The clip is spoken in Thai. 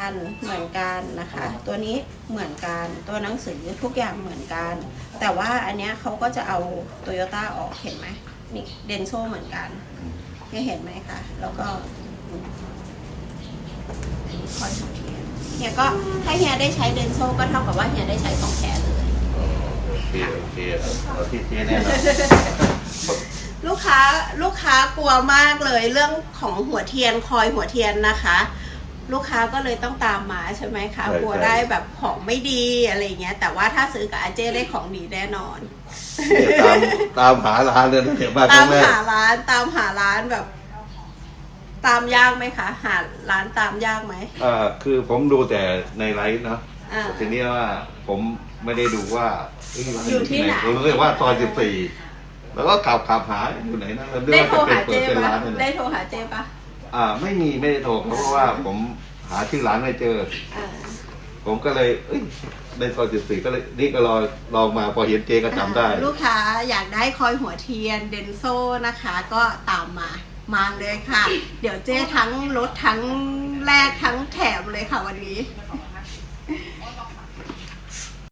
เหมือนกันนะคะตัวนี้เหมือนกันตัวหนังสือทุกอย่างเหมือนกันแต่ว่าอันเนี้ยเขาก็จะเอาโตโยต้าออกเห็นไหมนี่เดนโซเหมือนกันเห็นไหมคะแล้วก็คอยสังเกตเฮียก็ถ้าเฮียได้ใช้เดนโซก็เท่ากับว่าเฮียได้ใช้ของแท้เลยโอเคเอาที่เจ๊แน่นอนลูกค้ากลัวมากเลยเรื่องของหัวเทียนคอยหัวเทียนนะคะ ลูกค้าก็เลยต้องตามมาใช่ไหมคะกลัวได้แบบของไม่ดีอะไรเงี้ยแต่ว่าถ้าซื้อกับอาเจ้ได้ของดีแน่นอนตามหาร้านเลยนะเดี๋ยวมาคตารั้มงแรกหาร้านแบบ ตามยากไหมคะหาร้านตามยากไหมคือผมดูแต่ในไลฟ์เนาะอ่าทีนี้ว่าผมไม่ได้ดูว่าอยู่ที่ไหนผมรู้ว่าซอย14แล้วก็ขับหาอยู่ไหนนะแล้วได้โทรหาเปิเจ้ดเป็นปะร้านนั่นแหได้ละโทรหาเจ้ปะไม่ได้โทรเพราะว่าผมหาชื่อร้านไม่เจออ่าผมก็เลยในซอย14ก็เลยนี่ก็ลองมาพอเห็นเจก็จำได้ลูกค้าอยากได้คอยหัวเทียนเดนโซนะคะ ก็ตามมาเลยค่ะ เดี๋ยวเจ้ทั้งลดทั้งแลกทั้งแถมเลยค่ะวันนี้